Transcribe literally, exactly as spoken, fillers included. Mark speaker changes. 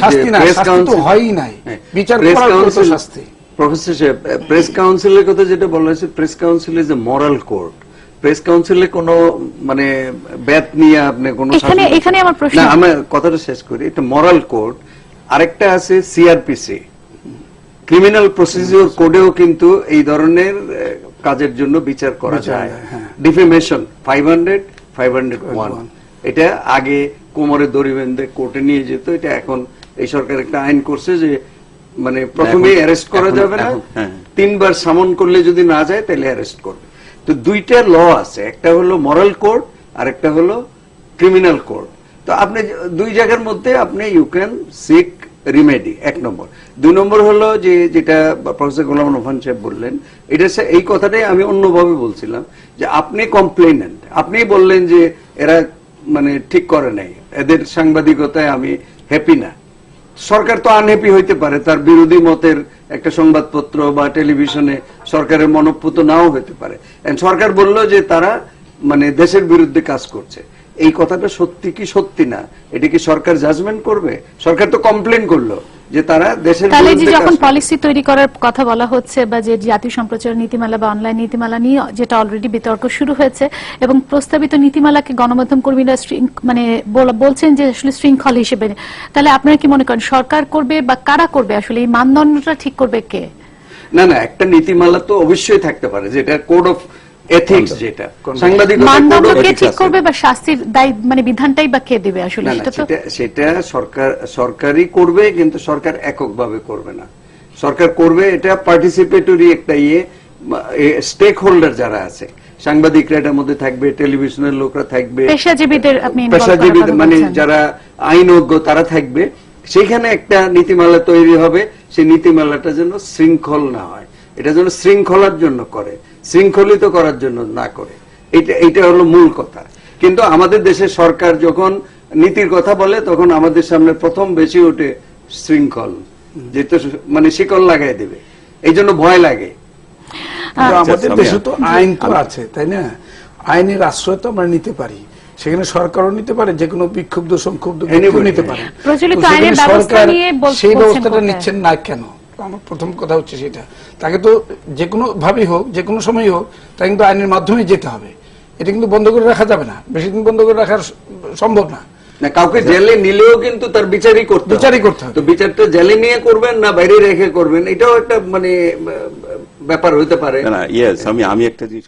Speaker 1: Press council হয়ই নাই, বিচার করার পর শাস্তি।
Speaker 2: প্রফেসর সাহেব, প্রেস কাউন্সিলের কথা যেটা বলা হয়েছে, press council is a moral court. Press কাউন্সিলে কোনো মানে ব্যাত নিয়ে আপনি কোনো
Speaker 3: এখানে এখানে আমার প্রশ্ন,
Speaker 2: না আমি কথাটা শেষ করি। এটা মরাল কোর্ট। আরেকটা আছে সিআরপিসি, ক্রিমিনাল প্রসিডিউর কোডেও কিন্তু এই ধরনের কাজের জন্য বিচার করা যায়। Defamation five hundred five hundred one, এটা আগে কোমরে দড়ি বেঁধে কোর্টে নিয়ে যেত। এটা এখন এই সরকার একটা আইন করছে যে মানে প্রথমে অ্যারেস্ট করা যাবে না, তিনবার সামন করলে যদি না যায় তাহলে অ্যারেস্ট করবে। তো দুইটা ল আছে, একটা হলো মরাল কোড আর একটা হলো ক্রিমিনাল কোড। তো আপনি দুই জায়গার মধ্যে আপনি ইউ ক্যান সিক রিমেডি, এক নম্বর। দুই নম্বর হলো যে যেটা প্রফেসর গোলাম রহমান সাহেব বললেন, এটা এই কথাটাই আমি অন্যভাবে বলছিলাম যে আপনি কমপ্লেনেন্ট, আপনি বললেন যে এরা মানে ঠিক করে নাই, এদের সাংবাদিকতায় আমি হ্যাপি না। সরকার তো আনহ্যাপি হইতে পারে, তার বিরোধী মতের একটা সংবাদপত্র বা টেলিভিশনে সরকারের মনোপুত নাও হইতে পারে। সরকার বলল যে তারা মানে দেশের বিরুদ্ধে কাজ করছে, এই কথাটা সত্যি কি সত্যি না, এটা কি সরকার জাজমেন্ট করবে? সরকার তো কমপ্লেন করলো যে তারা দেশের
Speaker 3: তাহলে
Speaker 2: বিরুদ্ধে
Speaker 3: যখন পলিসি তৈরি করার কথা বলা হচ্ছে বা যে জাতীয় সম্প্রচার নীতিমালা বা অনলাইন নীতিমালা নিয়ে যেটা অলরেডি বিতর্ক শুরু হয়েছে এবং প্রস্তাবিত নীতিমালাকে গণমাধ্যম কর্মীরা মানে বলছেন যে আসলে শৃঙ্খল হিসেবে, তাহলে আপনারা কি মনে করেন সরকার করবে বা কারা করবে? আসলে এই মানদণ্ডটা ঠিক করবে কে?
Speaker 2: না না, একটা নীতিমালা তো অবশ্যই থাকতে পারে, যেটা কোড অফ এথিক্স, যেটা সাংবাদিকতা
Speaker 3: মানদণ্ডকে ঠিক করবে বা শাস্তির দায় মানে বিধানটাই বা কে দিবে? আসলে সেটা তো
Speaker 2: সেটা সরকার সরকারই করবে, কিন্তু সরকার এককভাবে করবে না। সরকার করবে এটা পার্টিসিপেটরি একটা ইয়ে, স্টেক হোল্ডার যারা আছে, সাংবাদিকরা এটার মধ্যে থাকবে, টেলিভিশনের লোকরা থাকবে,
Speaker 3: পেশাজীবীদের আপনি
Speaker 2: পেশাজীবী মানে যারা আইনজ্ঞ তারা থাকবে। সেখানে একটা নীতিমালা তৈরি হবে, সেই নীতিমালাটা যেন শৃঙ্খল না হয়, এটা যেন শৃঙ্খলার জন্য করে, শৃঙ্খলিত করার জন্য না করে। এটা এটা হলো মূল কথা। কিন্তু আমাদের দেশের সরকার যখন নীতির কথা বলে তখন আমাদের সামনে প্রথম বেশি ওঠে শৃঙ্খল, যেটা মানে শিকল লাগাই দেবে, এই জন্য ভয় লাগে।
Speaker 1: আমাদের দেশে তো আইন তো আছে, তাই না? আইনের আশ্রয় তো আমরা নিতে পারি, সেখানে সরকারও নিতে পারে, যে কোনো বিক্ষুব্ধ সংক্ষুব্ধ নিতে পারে। সরকার সেই ব্যবস্থাটা নিচ্ছেন না কেন? আমার প্রথম কথা হচ্ছে সেটা। তাকে তো যে কোনো ভাবেই হোক, যে কোনো সময় হোক, তা কিন্তু আইনের মাধ্যমে যেতে হবে। এটা কিন্তু বন্ধ করে রাখা যাবে না, বেশি দিন বন্ধ করে রাখা সম্ভব না।
Speaker 2: না, কাউকে জেলে নিলেও কিন্তু তার বিচারই করতে
Speaker 1: বিচারই করতে হবে।
Speaker 2: তো বিচারটা জেলে নিয়ে করবেন না বাইরে রেখে করবেন, এটাও একটা মানে ব্যাপার হইতে পারে।
Speaker 4: না, ইয়েস, আমি আমি একটা জিনিস